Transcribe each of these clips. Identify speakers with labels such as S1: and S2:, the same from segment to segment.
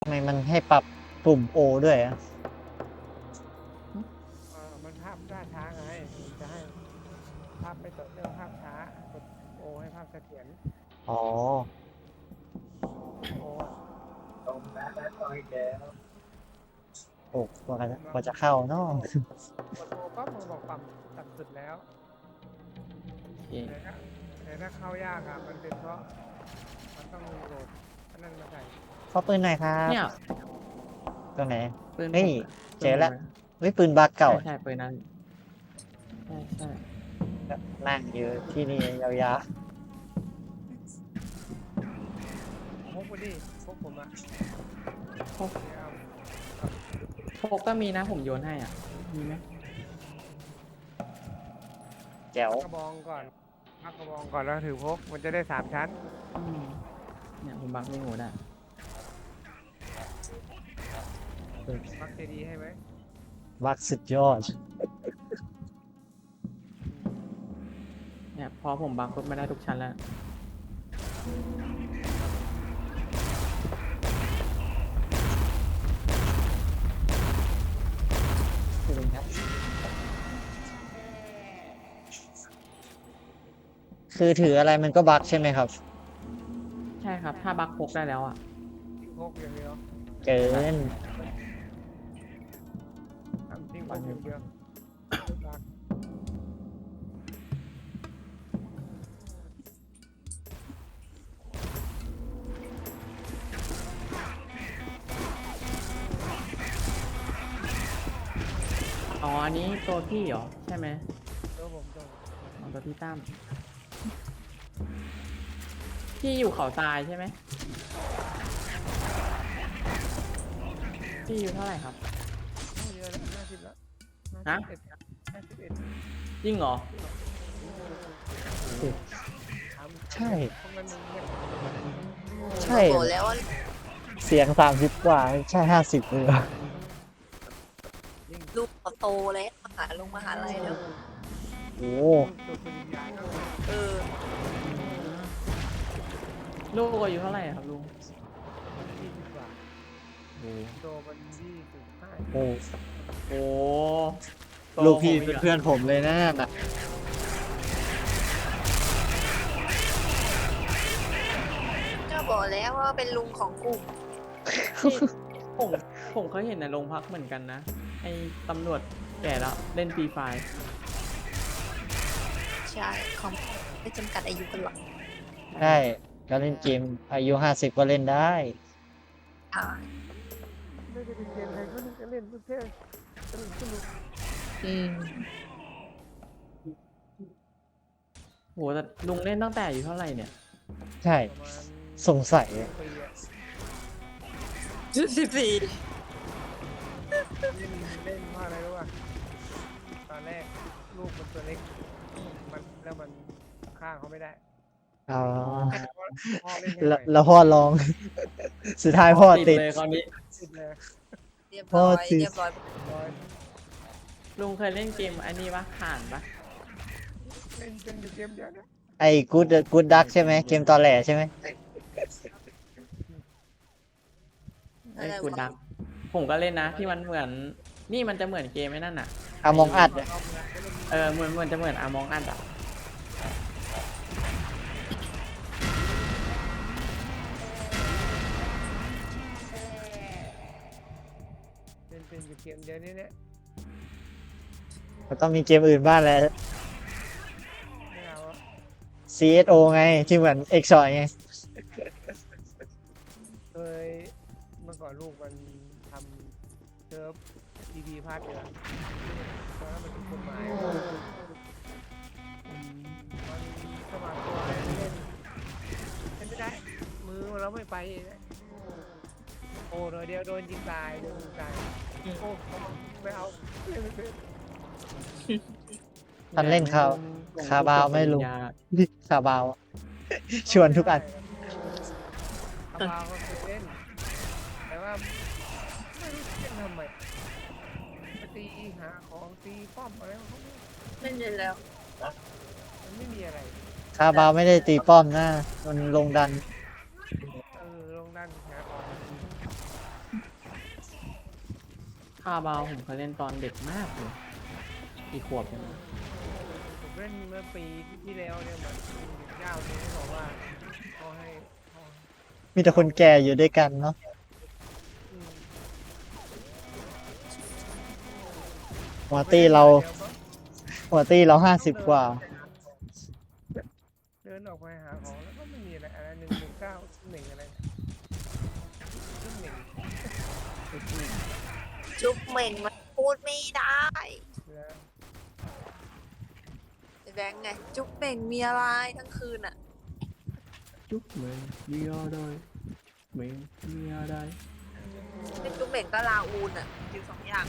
S1: ทำไมมันให้ปรับปุ่ม O ด้วยอ่ะ
S2: มันภาพช้าไงมันจะให้ภาพไม่ต่อเนื่องภาพช้ากดโอให้ภาพเสถียร
S1: อ๋อ
S2: โออะ
S1: โอ้กว่าจะเข้าเนาะ
S2: กดโอปั๊บมันบอกปรับตัดสุดแล้ว
S3: โอเค
S2: แต่ถ้าเข้ายากอ่ะมันเป็นเพราะมันต้องโหลดอันนั้นมาใส่
S1: ขอปืนหน่อยครับ
S3: เนี่ย
S1: ตรงไหน
S3: ปืน
S1: เฮ้ย
S3: ผม
S1: เจอแล้ว เฮ้ยปืนบาร์เก่า
S3: ใช่ปืนนั้นใช่
S1: นั่งอยู่ที่นี่ยาว
S2: พกไปดิพกผมอ่ะ
S3: พก
S2: เนี่ยเอา
S3: พกก็มีนะผมโยนให้อ่ะมีไหม
S1: ๆแจ๋ว
S2: กระบองก่อนพักกระบองก่อนแล้วถือพกมันจะได้3 ชั้น
S3: อืมเนี่ยผมบักไม่หมดอ่ะ
S2: พักเจดีให้ไหม
S1: วักสุดยอด
S3: เนี่ยพอผมบักปุ๊บมาได้ทุกชั้นแล้ว
S1: คือถืออะไรมันก็บักใช่ไหมครับ
S3: ใช่ครับถ้าบักพกได้แล้วอ่ะ
S2: พกอย่างเดียว
S1: เกิน
S2: ทำทิ้งพกอย่างเดียวรัก
S3: อ๋ออันนี้ตัวพี่เหรอใช่ไหม
S2: ตัวผมตัว
S3: อ๋อตัวพี่ตั้มพี่อยู่เขาทรายใช่ไหมพี่อยู่เท่าไหร่ครับ
S2: เยอะแล้ว50แล้ว
S3: ฮะ
S2: 51
S3: จริงเหรอ
S1: ใช่
S2: พวกนั้นมันเนี่ย
S1: ใช่
S4: บอกแล้วว่า
S1: เสียง30 กว่าใช่50เลยเหรอ
S4: ลูกเขาโตแล้วมหาลัยแล้ว
S1: โอ้
S2: ตัวปริญญาก็
S4: เออ
S3: ลูกอายุเท่าไหร่ครับลุง
S2: 20 กว่า
S3: โอ้
S2: โตมัน25
S1: โอ้
S3: โห
S1: ลูกพี่เป็นเพื่อนผมเลยนะน่ะ
S4: ก็บอกแล้วว่าเป็นลุงของกลุ่ม
S3: ที่ผมผมเคยเห็นในโรงพักเหมือนกันนะไอ้ตำรวจแก่แล้วเล่นฟรีไฟร์
S4: ใช่คอมไม่จำกัดอายุกันหรอก
S1: ได้ก็เล่นเกมอายุ50ก็เล่นได้
S4: อ่า
S2: ไม่ได้เป็นเกมใครก็เล่นเพื่อสนุก
S4: อืม
S3: โหแต่ลุงเล่นตั้งแต่อายู่เท่าไหร่เนี่ย
S1: ใช่
S2: ประมาณ
S1: สงสัย
S2: ปีอะ
S4: 14
S2: เล่นเพราะอะไรรู้ป่ะตอนแรกลูกมันตัวเล็กมันฆ่าเขาไม่ได้
S1: อ๋อ
S2: พ่อเล่นให้ห
S1: แล้
S2: น่
S1: ว
S2: อย
S1: แล้วพ่อลอง สุดท้ายพ่อติด
S3: เลยคราวนี้
S2: ติดเลย
S4: เรียบร้อย
S1: โทษที
S4: เรียบร้อย
S2: ร้อย
S3: ลุงเคยเล่นเกมอันนี้ปะผ่านปะ
S2: เล่นเป็นอยู่เกมเดียวนะ
S1: ไอ้กูดดักใช่ไหมเกมตอแหลใช่ไหม
S3: ไอ้คุณดักผมก็เล่นนะที่มันเหมือนนี่มันจะเหมือนเกมไอ้นั่นอ่ะ
S1: อามองอัด
S2: เอาเงินไปเล่น
S3: เหมือนจะเหมือนอามองอัดอ่ะ
S2: เป็นอยู่เกมเดียวนี่เนี่ย
S1: มันต้องมีเกมอื่นบ้างแหละ
S2: ไม่เอาอะ
S1: CSO ไงที่เหมือน X2 ไง
S2: เคยเมื่อก่อนลูกมันทำเซิร์ฟทีวีพาร์ทเดียวตอนนั้นมันถูกกฎหมายมันสมัครตัวเล่นไม่ได้ มือเราไม่ไปโอ้เดียวโดนยิงตายโดนยิงตายโอ้ไม่เอาเล่นไม่เป็น
S1: ท่านเล่นคาบาวไหม่รู้ คาบาว ชวนทุกอัน
S2: คาบาวก็เคยเล่น แต่ว่าไม่รู้จะเล่นทำไมไปตีหาของตีป้อมอะไรของเขา
S4: เล่นเย็นแล้ว
S2: มันไม่มีอะไร
S1: คาบาวไม่ได้ตีป้อมนะมันลงดัน
S2: ลงด้านหาของ
S3: คาบาวผมเคยเล่นตอนเด็กมากเลยกี่ขวบใช่ไหม
S2: ผมเล่นเมื่อปีที่แล้วเนี่ยเหมือนเจ้าเนี่ยบอกว่าเขาให้เขา
S1: มีแต่คนแก่อยู่ด้วยกันเนาะ
S2: อืม
S1: หัวตี้เรา50 กว่า
S2: เดินออกไปหาของแล้วก็ไม่มีอะไรอะไร119 1อะไร1
S4: จุ๊บเหม่งมันพูดไม่ได้
S2: แล้ว
S4: แบงค์ไง จุ๊บเหม่งมีอะไรทั้งคืนอ่ะ
S3: จุ๊บเหมือนมีอะไรเหมือนมีอะไร
S4: เป็นจุ๊บเหม่งก็ลาอูนอ่ะอยู่2 อย่าง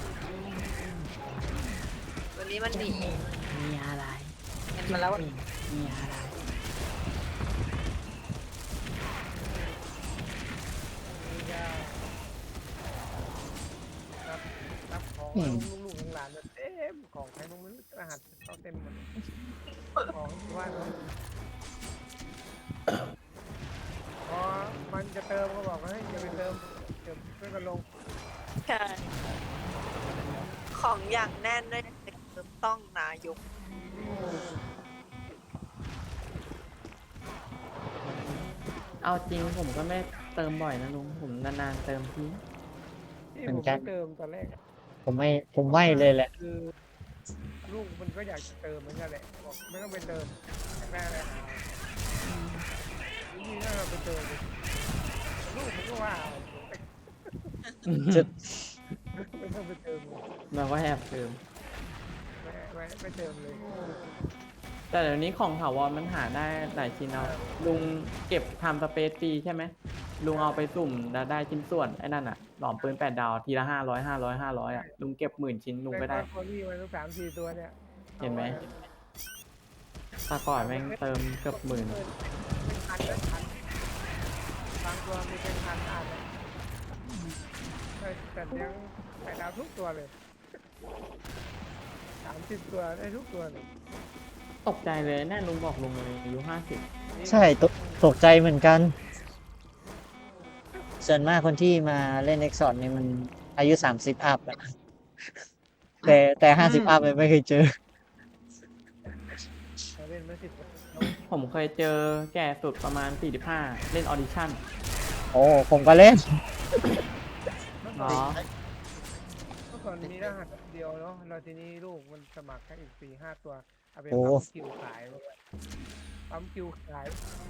S4: วันนี้มันหนี
S3: มีอะไร
S4: เห็นมาแล้ว
S3: มีอะไร
S2: นี่ก็รับของลูกๆหลานๆเต็มของใครบ้างไม่รู้รหัสเขาเต็มหมดของที่ว่าเขาพอมันจะเติมก็บอกว่าให้อย่าไปเติมเดี๋ยวช่วยกันลง
S4: ใช่ของอย่างแน่นด้วยต้องนายก
S3: เอาจริงผมก็ไม่เติมบ่อยนะลุงผมนานๆเติมที
S2: ที่ผมไม่เติมตอนแรกอะ
S1: ผมไม่เลยแหละ
S2: คือลูกมันก็อยากจะเติมเหมือนกันแหละบอกไม่ต้องไปเติมแม่เลยนี่ถ้าเราไปเติมลูกมันก็ว่าเอา
S1: จะ
S2: ไม่ต้องไปเติมเลย
S3: เราก็แอบเติม
S2: ไม่เติมเลย
S3: แต่เดี๋ยวนี้ของถาวรมันหาได้หลายชิ้นเอาลุงเก็บทำสเปซฟรีใช่ไหมลุงเอาไปสุ่มแล้วได้ชิ้นส่วนไอ้นั่นอะหลอมปืน8 ดาวทีละ500อะลุงเก็บ10,000 ชิ้นลุงก็ได้
S2: คอรี่มันต้อง3-4 ตัวเนี่ย
S3: เห็นไหมตาก่อนแม่งเติมเกือบ10,000
S2: เป็นพันเป็นพันบางตัวมีเป็นพันอ่านแต่เลี้ยงแต่ดาวทุกตัวเลย30 ตัวได้ทุกตัวเลย
S3: ตกใจเลยแน่ลุงบอกลุงเลยอายุ50
S1: ใช่ตกใจเหมือนกัน ส่วนมากคนที่มาเล่น Exxon นี่มันอายุ30 อัพอะแต่50 อัพไม่เคยเจอ
S2: เราเล่นมา10 ตัว
S3: ผมเคยเจอแก่สุดประมาณ45เล่นออดิชั่น
S1: โอ้ผมก็เล่น
S3: เนาะ
S2: เมื่อก่อนมีรหัสเดียวเนาะเราทีนี้ลูกมันสมัครแค่อีก4-5 ตัวเอาไป
S1: โอ้
S2: ปั๊มคิวขายปั๊มคิวขาย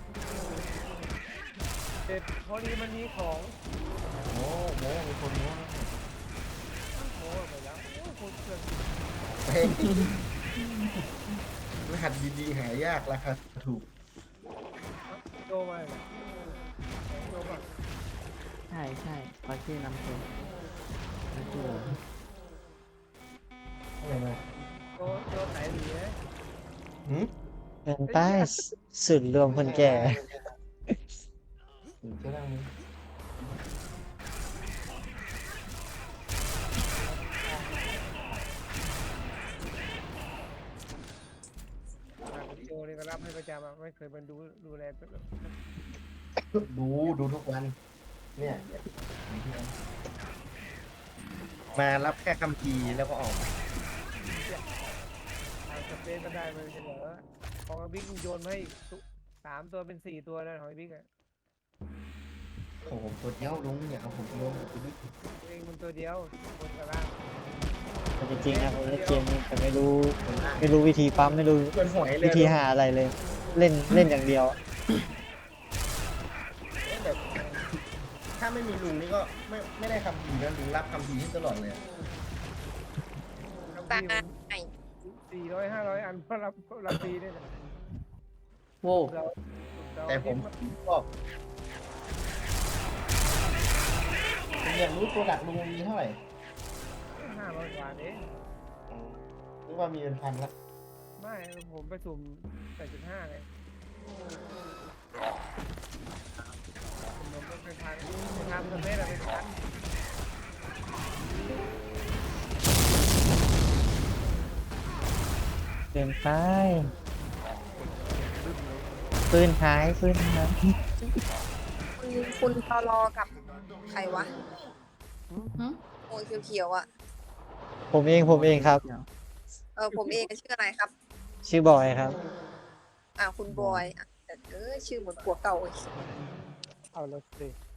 S2: เสร็จพอดีมันมีของ
S5: โม้มีคนโม้
S2: โม้ไปแล้วโอ้คนเกิน
S5: เฮ้ยรหัสดีๆหายากราคาถูก
S2: โตมาเลยโตมา
S3: ใช่เขาชื่อนำเสนโอ้โห
S5: อะไรนะ
S2: โตไหนดีนะ
S5: หืม
S1: เดินใต้สุดรวมคนแก่
S5: หรือจะนั่งนี้
S2: โตนี่ก็รับให้ประจำอะไม่เคยมาดูแลตัว
S5: ดูทุกวัน เนี่ย มารับแค่คำพีร์แล้วก็ออก
S2: ทางสเปซก็ได้มันจะเหลือของบิ๊กโยนให้3 ตัวเป็น4 ตัวแล้วของบิ๊กอะ
S5: โอ้โหตัวเดียวลุงอย่าเอาผมลง
S2: เองมันตัวเดียวบนกับล่าง
S1: แต่จริงๆนะผมเล่นเกมนี้แต่ไม่รู้วิธีปั๊มไม่รู้
S5: เป็นหอยเลย
S1: วิธีหาอะไรเลย เล่นอย่างเดียว
S5: แบบถ้าไม่มีลุงนี่ก็ไม่ได้คำพีร์นะลุงรับคำพีร์ให้ตลอดเลยอะ
S2: ทำที่มัน400-500 อันก็รับฟรีด้วยนะ
S3: โว้
S2: เรา
S5: แต่ผมก็ผมอยากรู้ตัวหลักลุงมีเท่าไหร่
S2: 500 กว่าเอง
S5: นึกว่ามีเป็นพันละ
S2: ไม่ผมไปสุ่ม8.5เลยผมเป็นพันทำสเปซอะเป็นพัน
S1: เดินใต้ปืนหาย
S4: คุณตลอกับใครวะโอ้เขียวๆอ่ะ
S1: ผมเองครับ
S4: ผมเองชื่ออะไรครับ
S1: ชื่อบอยครับ
S4: คุณบอยแต่ชื่อเหมือนผัวเก่าอีก
S2: เอาละสิ